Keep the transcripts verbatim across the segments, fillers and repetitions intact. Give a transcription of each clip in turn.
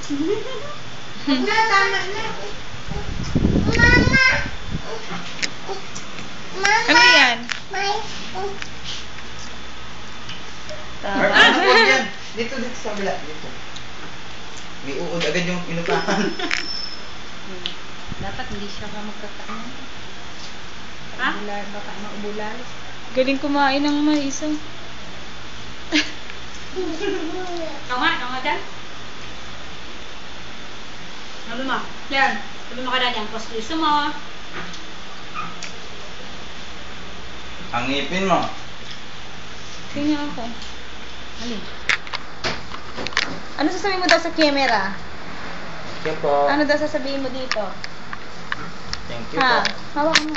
Na, tama na. Mama! Mama! Ano yan? May... Mark, ano po yan? Dito, dito sa kabila. Dito. May uod agad yung inupahan. Dapat hindi siya ka magkakain. Ha? Baka maubulalis. Galing kumain ng mais. Oh. Ikaw nga, ikaw nga dyan. Sabi mo, yan. Sabi mo ka na dyan, gusto mo. Ang ngipin mo. Tingnan ako. Alin? Ano sasabihin mo daw sa camera? Thank you po. Ano daw sasabihin mo dito? Thank you Ha? po. Hawak mo.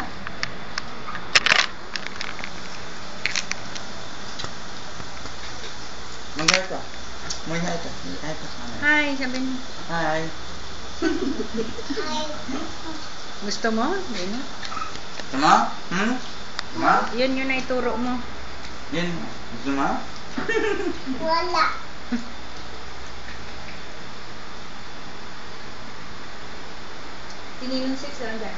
Mag-hair ka. Mag-hair ka. Mag-hair ka sana. Hi, sabi mo. Hi. Gusto mo? Yun. Tama? Hmm? Tama? Yun yun na ituro mo. Yan. Gusto mo? Wala. Tininong six, lang dyan.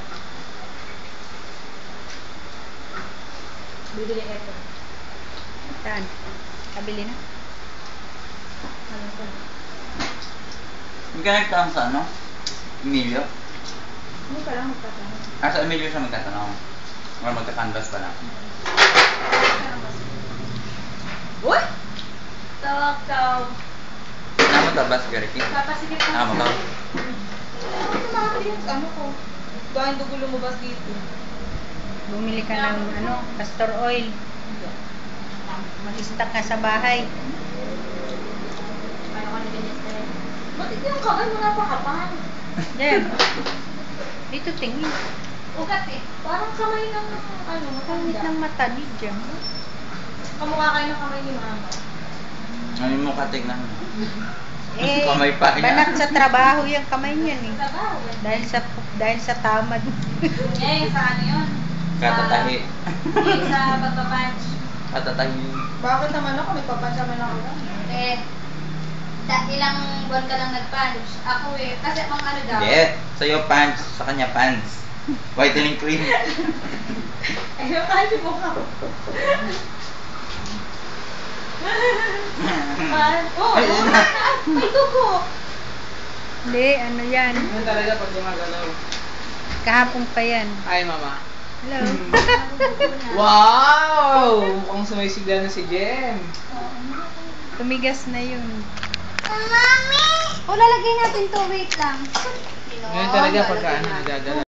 Bibili ito. Saan? Kabili na? Ano ko? Hindi ka nagtanong sa ano? Emilio? Hindi pa lang magtatanong. Ah, sa Emilio siya magtatanong. Or magka-canvas pa lang. Uy! Tawag tawag. Ano mo tabas, Gariki? Papasikip ka. Ah, mo to? Ano tumakali yung ano ko? Dahil dugo lumabas dito. Bumili ka ng ano, castor oil. Mag-stock ka sa bahay. Ano ka nilinis na yun? Ba't ito yung kamay mo napakapal? Diyan. Dito tingin. Ugat eh. Parang kamay ng ano, Pangit matanda. ng mata ni Jam. Kamukha kayo ng kamay ni mama. Ano yung mukha tignan mo? Eh, Kamay pa niya. banat sa trabaho yung kamay niyan eh. Trabaho eh. Dahil sa dahil sa tamad. Eh, sa ano yun? Katatahi. Eh, sa pagpapunch. Katatahi. Bakit naman ako? May papunch naman ako. Eh, da, ilang buwan ka lang nag-punch. Ako eh, kasi ang ano daw. Hindi. Sa'yo pants. Sa kanya pants. Whitening cream. Ayun, kasi mukha ko. Ah, oh, Ay, yun na. may dugo. Hindi, ano yan. Yun talaga pag gumagalaw. Kahapon pa yan. Ay, mama. Hello. Wow! Mukhang sumisigla na si Jem. Tumigas na yun. Mami! O, lalagay natin to. Wait lang. Ngayon talaga pagka ano nagagalaw.